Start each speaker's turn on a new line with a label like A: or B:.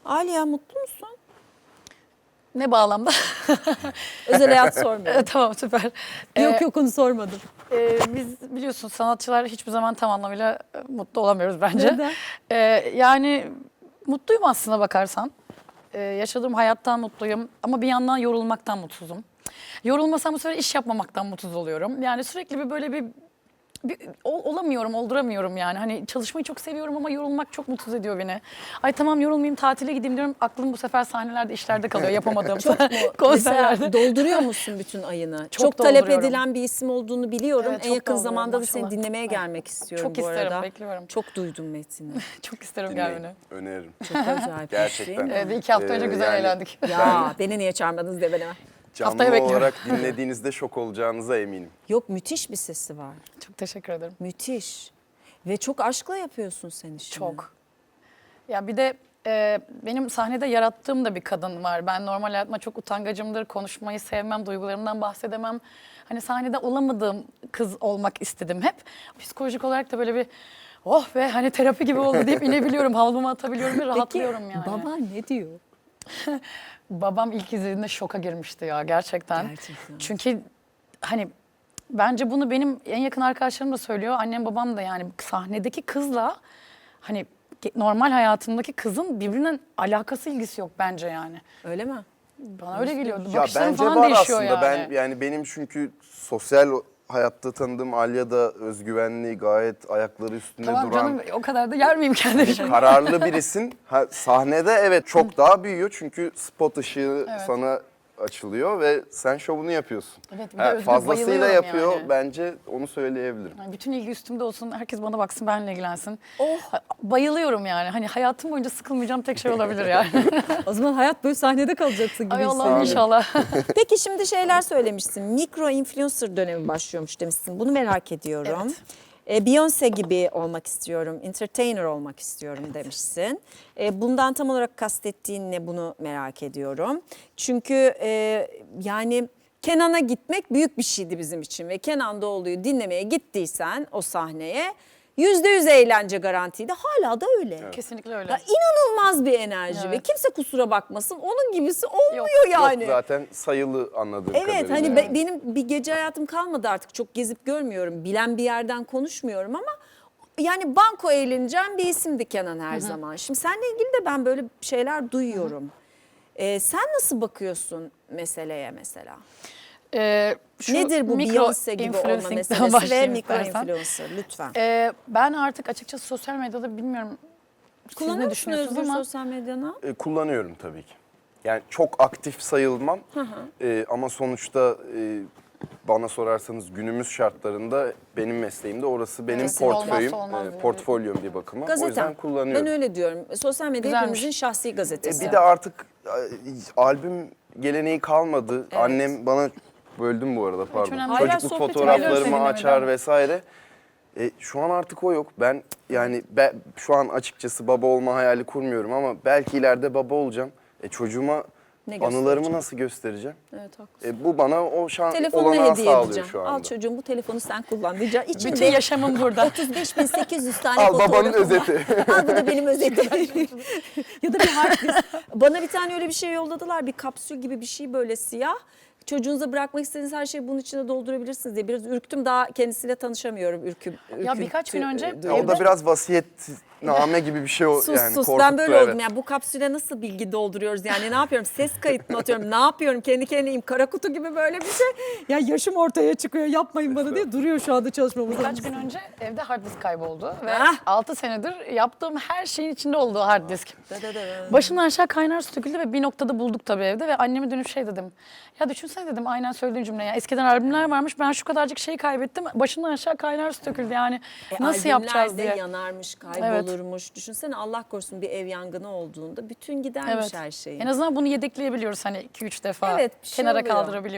A: Aliye mutlu musun?
B: Ne bağlamda?
A: Özel hayat sormuyorum.
B: Tamam, süper.
A: Yok onu sormadım.
B: Biz biliyorsun sanatçılar hiçbir zaman tam anlamıyla mutlu olamıyoruz bence.
A: Neden?
B: Yani mutluyum aslına bakarsan. Yaşadığım hayattan mutluyum ama bir yandan yorulmaktan mutsuzum. Yorulmasam bu sefer iş yapmamaktan mutsuz oluyorum. Yani sürekli böyle bir olamıyorum, olduramıyorum yani. Hani çalışmayı çok seviyorum ama yorulmak çok mutsuz ediyor beni. Ay tamam yorulmayayım, tatile gideyim diyorum. Aklım bu sefer sahnelerde, işlerde kalıyor, yapamadığım
A: Çok mu?
B: konserlerde.
A: Mesela dolduruyor musun bütün ayını?
B: Çok
A: talep
B: dolduruyorum.
A: edilen bir isim olduğunu biliyorum.
B: Evet,
A: En
B: çok
A: yakın
B: dolduruyorum,
A: zamanda da seni
B: maşallah.
A: dinlemeye gelmek istiyorum
B: Çok
A: bu
B: isterim,
A: arada.
B: bekliyorum.
A: Çok duydum metini.
B: Çok isterim
C: Dinleyin,
B: gelmeni.
C: öneririm.
A: Çok acayip.
C: Gerçekten.
A: değil mi?
B: Evet, 2 hafta önce güzel
C: Yani
B: eğlendik.
A: Ya beni niye çağırmadınız diye ben hemen.
C: Canlı
B: Haftaya bekliyorum.
C: olarak dinlediğinizde şok olacağınıza eminim.
A: Yok müthiş bir sesi var.
B: Çok teşekkür ederim.
A: Müthiş. Ve çok aşkla yapıyorsun sen işini.
B: Çok. Ya bir de benim sahnede yarattığım da bir kadın var. Ben normal hayatıma çok utangacımdır. Konuşmayı sevmem, duygularımdan bahsedemem. Hani sahnede olamadığım kız olmak istedim hep. Psikolojik olarak da böyle bir oh be hani terapi gibi oldu deyip inebiliyorum. Havlumu atabiliyorum ve rahatlıyorum yani.
A: baban ne diyor?
B: Babam ilk izlediğinde şoka girmişti ya gerçekten.
A: Gerçekten.
B: Çünkü hani bence bunu benim en yakın arkadaşlarım da söylüyor. Annem babam da yani sahnedeki kızla hani normal hayatımdaki kızın birbirinden alakası ilgisi yok bence yani.
A: Öyle mi?
B: Bana öyle geliyordu.
C: Ya
B: Bakışlarım
C: bence
B: falan
C: var
B: değişiyor
C: aslında.
B: yani.
C: Yani benim çünkü sosyal hayatta tanıdığım Alya da özgüvenli, gayet ayakları üstünde
B: Tamam
C: duran,
B: canım o kadar da yer miyim kendimi şimdi?
C: kararlı birisin. Sahnede evet çok daha büyüyor çünkü spot ışığı
B: Evet.
C: sana açılıyor ve sen şovunu yapıyorsun.
B: Evet, bir de Özgür
C: Fazlasıyla
B: bayılıyorum
C: yapıyor
B: yani.
C: bence, onu söyleyebilirim.
B: Yani bütün ilgi üstümde olsun, herkes bana baksın, benimle ilgilensin.
A: Oh.
B: Bayılıyorum yani. Hani hayatım boyunca sıkılmayacağım tek şey olabilir yani.
A: O zaman hayat böyle sahnede kalacaksın gibi
B: Ay Allah'ım
A: hissediyorum.
B: inşallah.
A: Peki şimdi şeyler söylemişsin. Mikro influencer dönemi başlıyormuş demişsin. Bunu merak ediyorum. Beyoncé gibi olmak istiyorum, entertainer olmak istiyorum demişsin. Bundan tam olarak kastettiğin ne, bunu merak ediyorum. Çünkü yani Kenan'a gitmek büyük bir şeydi bizim için ve Kenan Doğulu'yu dinlemeye gittiysen o sahneye %100 eğlence garantiydi. Hala da öyle.
B: Kesinlikle öyle.
A: Ya inanılmaz bir enerji ve
B: Evet.
A: kimse kusura bakmasın, onun gibisi olmuyor yani.
C: Yok zaten sayılı anladığım
A: Evet
C: kadarıyla.
A: hani
C: yani.
A: benim bir gece hayatım kalmadı artık, çok gezip görmüyorum, bilen bir yerden konuşmuyorum ama yani banko eğleneceğim bir isimdi Kenan her zaman. Şimdi seninle ilgili de ben böyle şeyler duyuyorum. Sen nasıl bakıyorsun meseleye mesela?
B: Şu
A: Nedir bu
B: mikro
A: Beyoncé gibi olma
B: influencing'den
A: meselesi ve
B: başlayayım
A: mikro
B: istersen.
A: influencer lütfen.
B: Ben artık açıkçası sosyal medyada bilmiyorum siz
A: Kullanıyor
B: ne
A: musun
B: düşünüyorsunuz
A: Özgür
B: ama
A: sosyal medyana?
C: Kullanıyorum tabii ki. Yani çok aktif sayılmam. Ama sonuçta bana sorarsanız günümüz şartlarında benim mesleğimde orası benim
B: Evet,
C: portföyüm,
B: olmazsa olmaz
C: portfolyom bir bakıma. O
A: Gazetem.
C: yüzden kullanıyorum.
A: Ben öyle diyorum. Sosyal medya
B: Güzelmiş.
A: hepimizin şahsi gazetesi.
C: Bir de artık albüm geleneği kalmadı. Annem bana, böldüm bu arada pardon.
B: önemli
A: değil.
C: Çocukluk
A: Hala sohbeti
C: fotoğraflarımı
B: bölüyorum
C: açar
B: seninle,
C: vesaire. Şu an artık o yok. Ben yani şu an açıkçası baba olma hayali kurmuyorum ama belki ileride baba olacağım. Çocuğuma
A: Ne
C: anılarımı
A: göstereceğim?
C: nasıl göstereceğim?
A: Evet, haklısın.
C: Bu bana o şans
A: Telefonunu
C: olanağı
A: hediye
C: sağlıyor
A: edeceğim.
C: şu anda.
A: Al çocuğum, bu telefonu sen kullan diyeceğim.
B: bütün
A: İçinde
B: yaşamım burada.
A: 35.800 tane
C: Al
A: fotoğrafım
C: babanın
A: var.
C: özeti.
A: Al bu da benim özetim. Ya da bir hard disk. Bana bir tane öyle bir şey yolladılar. Bir kapsül gibi bir şey, böyle siyah. Çocuğunuza bırakmak istediğiniz her şeyi bunun içine doldurabilirsiniz diye. Biraz ürktüm, daha kendisiyle tanışamıyorum.
B: Ya birkaç gün önce
C: O da biraz vasiyetname gibi bir şey
A: Sus
C: yani
A: sus,
C: korkuttu,
A: ben böyle
C: evet.
A: oldum yani. Bu kapsüle nasıl bilgi dolduruyoruz yani, ne yapıyorum, ses kayıt mı atıyorum, ne yapıyorum, kendi kendimeyim, kara kutu gibi böyle bir şey. Ya yaşım ortaya çıkıyor, yapmayın bana diye duruyor şu anda çalışmamız.
B: Birkaç gün önce evde hard disk kayboldu ve
A: Ah!
B: 6 senedir yaptığım her şeyin içinde olduğu hard disk. Başımdan aşağı kaynar su döküldü ve bir noktada bulduk tabii evde ve anneme dönüp şey dedim. Ya düşünsene dedim, aynen söylediğin cümle ya. Eskiden albümler varmış, ben şu kadarcık şey kaybettim. Başımdan aşağı kaynar su döküldü yani. Nasıl yapacağız diye.
A: Yanarmış, kaybolurmuş. Düşünsene, Allah korusun bir ev yangını olduğunda bütün gidermiş
B: Evet.
A: her şeyin.
B: En azından bunu yedekleyebiliyoruz hani 2-3 defa
A: Evet, bir şey
B: kenara
A: oluyor.
B: kaldırabiliyoruz.